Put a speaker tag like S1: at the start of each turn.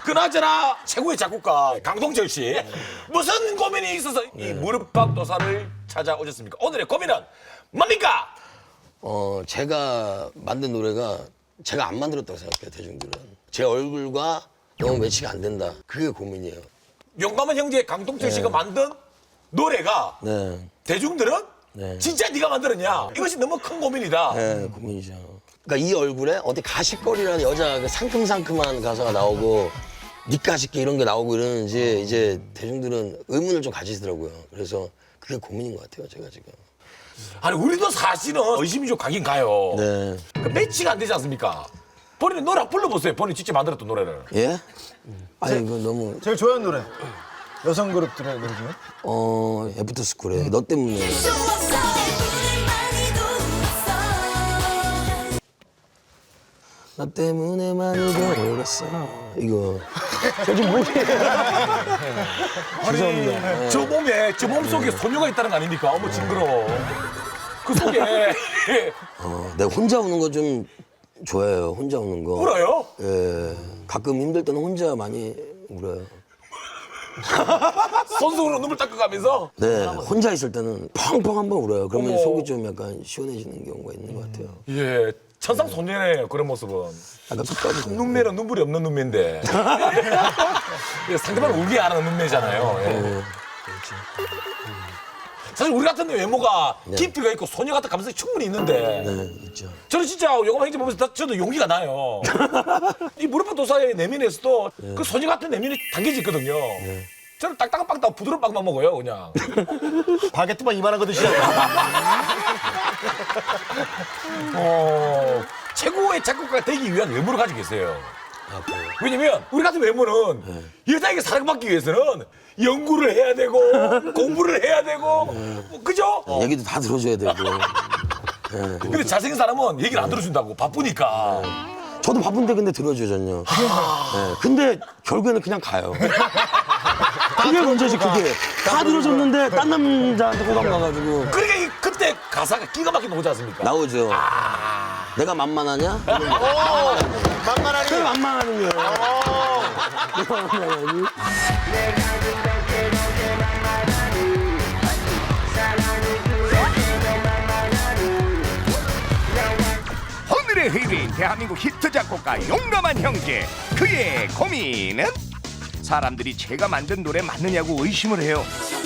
S1: 그나저나 최고의 작곡가 강동철 씨 무슨 고민이 있어서 이 무릎팍 도사를 찾아오셨습니까? 오늘의 고민은 뭡니까?
S2: 제가 만든 노래가 제가 안 만들었다고 생각해요, 대중들은. 제 얼굴과 너무 매치가 안 된다. 그게 고민이에요.
S1: 용감한 형제 강동철 씨가 만든 노래가
S2: 네.
S1: 대중들은
S2: 네.
S1: 진짜 네가 만들었냐? 이것이 너무 큰 고민이다.
S2: 네, 고민이죠. 그러니까 이 얼굴에 어디 가십거리라는 여자 그 상큼상큼한 가사가 나오고 니까짓게 이런 게 나오고 이러는지 이제 대중들은 의문을 좀 가지시더라고요. 그래서 그게 고민인 것 같아요, 제가 지금.
S1: 아니 우리도 사실은 의심이 좀 가긴 가요.
S2: 네.
S1: 그 매치가 안 되지 않습니까? 본인 노래 한번 불러보세요. 본인 직접 만들었던 노래를.
S2: 예? 아니, 이거 너무.
S3: 제일 좋아하는 노래. 여성 그룹들의 노래 중에.
S2: 애프터스쿨에 너 때문에. 나 때문에 많이 배웠어. 이거. 저 지금 뭐지? 죄송합니다.
S1: 저 몸속에 소녀가 있다는 거 아닙니까? 어머 징그러워. 그 속에
S2: 내가 혼자 우는 거 좀 좋아해요. 혼자 우는 거.
S1: 울어요?
S2: 예. 가끔 힘들 때는 혼자 많이 울어요.
S1: 손수건으로 눈물 닦아가면서
S2: 네. 혼자 있을 때는 펑펑 한번 울어요. 그러면
S1: 어머.
S2: 속이 좀 약간 시원해지는 경우가 있는 것 같아요.
S1: 예 천상 소녀네요 그런 모습은.
S2: 약간 끝까지.
S1: 눈매는 눈물이 없는 눈매인데 상대방 울게 하는 눈매잖아요. 예. 사실 우리 같은 외모가 깊이가 있고 소녀 같은 감성이 충분히 있는데
S2: 네, 있죠.
S1: 저는 진짜 용감 행진 보면서 저도 용기가 나요. 이 무릎팍 도사의 내면에서도 그 소녀 같은 내면이 담겨져 있거든요. 저는 딱딱한 빵 부드러운 빵만 먹어요 그냥.
S3: 바게트만 이만한 거 드시잖아요.
S1: 최고의 작곡가가 되기 위한 외모를 가지고 계세요.
S2: 아, 그래요?
S1: 왜냐면 우리 같은 외모는 여자에게 사랑받기 위해서는 연구를 해야 되고 공부를 해야 되고 뭐, 그죠?
S2: 얘기도 다 들어줘야 되고.
S1: 근데 잘생긴 사람은 얘기를 안 들어준다고 바쁘니까.
S2: 저도 바쁜데 근데 들어주잖요. 네, 근데 결국에는 그냥 가요. 그게 문제지, 그게. 다 들어줬는데 딴 남자한테 호감 가가지고.
S1: 그러니까 그때 가사가 기가 막히게 나오지 않습니까?
S2: 나오죠. 내가 만만하냐?
S3: 만만하니.
S2: 그게 만만하는 거예요. 내가 만만하니?
S4: 오늘의 의뢰인 대한민국 히트 작곡가 용감한 형제. 그의 고민은 사람들이 제가 만든 노래 맞느냐고 의심을 해요.